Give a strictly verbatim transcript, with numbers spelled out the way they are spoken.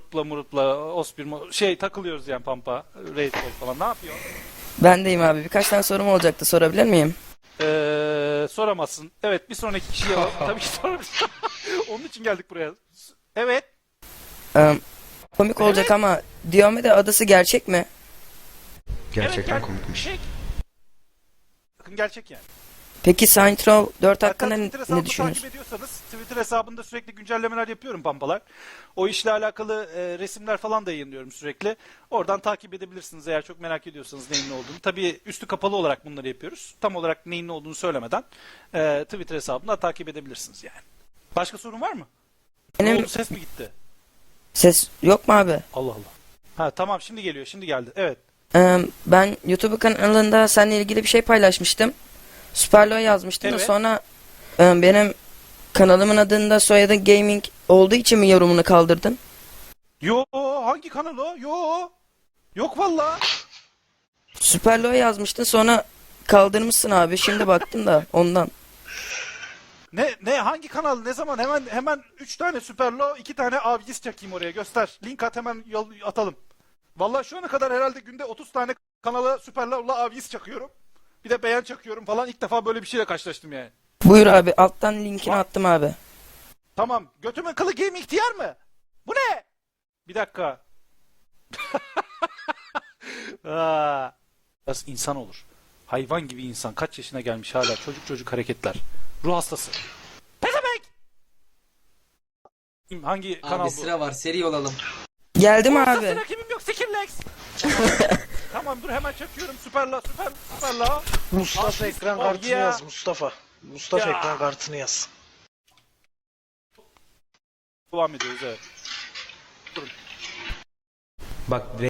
grupla murupla Ospir mo- şey takılıyoruz yani Pampa. Raid Call falan. Ne yapıyor? Ben deyim abi. Birkaç tane sorum olacaktı. Sorabilir miyim? Ee, soramazsın. Evet bir sonraki kişiye alalım. Tabii ki soramazsın. Onun için geldik buraya. Evet. Ee, komik olacak Evet. ama Diomede adası gerçek mi? Gerçekten evet, komikmiş. Gerçek. Bakın gerçek yani. Peki Saints Row dört Hatta hakkında ne, Twitter ne hesabımı düşünüyorsun? takip ediyorsanız Twitter hesabında sürekli güncellemeler yapıyorum Pampalar. O işle alakalı e, resimler falan da yayınlıyorum sürekli. Oradan takip edebilirsiniz eğer çok merak ediyorsanız neyin ne olduğunu. Tabii üstü kapalı olarak bunları yapıyoruz. Tam olarak neyin ne olduğunu söylemeden e, Twitter hesabında takip edebilirsiniz yani. Başka sorun var mı? Ne Benim oldu, ses mi gitti? ses yok mu abi? Allah Allah. Ha tamam şimdi geliyor şimdi geldi. Evet. Ee, ben YouTube kanalında seninle ilgili bir şey paylaşmıştım. Superlo yazmıştım da Evet. sonra e, benim kanalımın adında soyadı gaming olduğu için mi yorumunu kaldırdın? Yo hangi kanal o? Yo. Yok valla. Superlo yazmıştın sonra kaldırmışsın abi. Şimdi baktım da ondan. Ne ne hangi kanal ne zaman hemen hemen üç tane Superlo iki tane Avgis çakayım oraya göster. Link at hemen yol, atalım. Vallahi şu ana kadar herhalde günde otuz tane kanala Superlo'la Avgis çakıyorum. Bir de beğen çakıyorum falan ilk defa böyle bir şeyle karşılaştım yani. Buyur abi alttan linkini attım abi. Tamam götümün kılı game ihtiyar mı? Bu ne? Bir dakika. Aa, biraz insan olur. Hayvan gibi insan kaç yaşına gelmiş hala çocuk çocuk hareketler. Ruh hastası. Pezevenk! Hangi kanal Abi bu? sıra var, seri olalım. Geldim Orta abi. sıra kimim yok Skillex. Tamam dur hemen çakıyorum süperla süper süperla. Mustafa Asist, ekran oh kartını yeah. yaz Mustafa. Mustafa Ya. ekran kartını yaz. Devam ediyoruz evet. Bak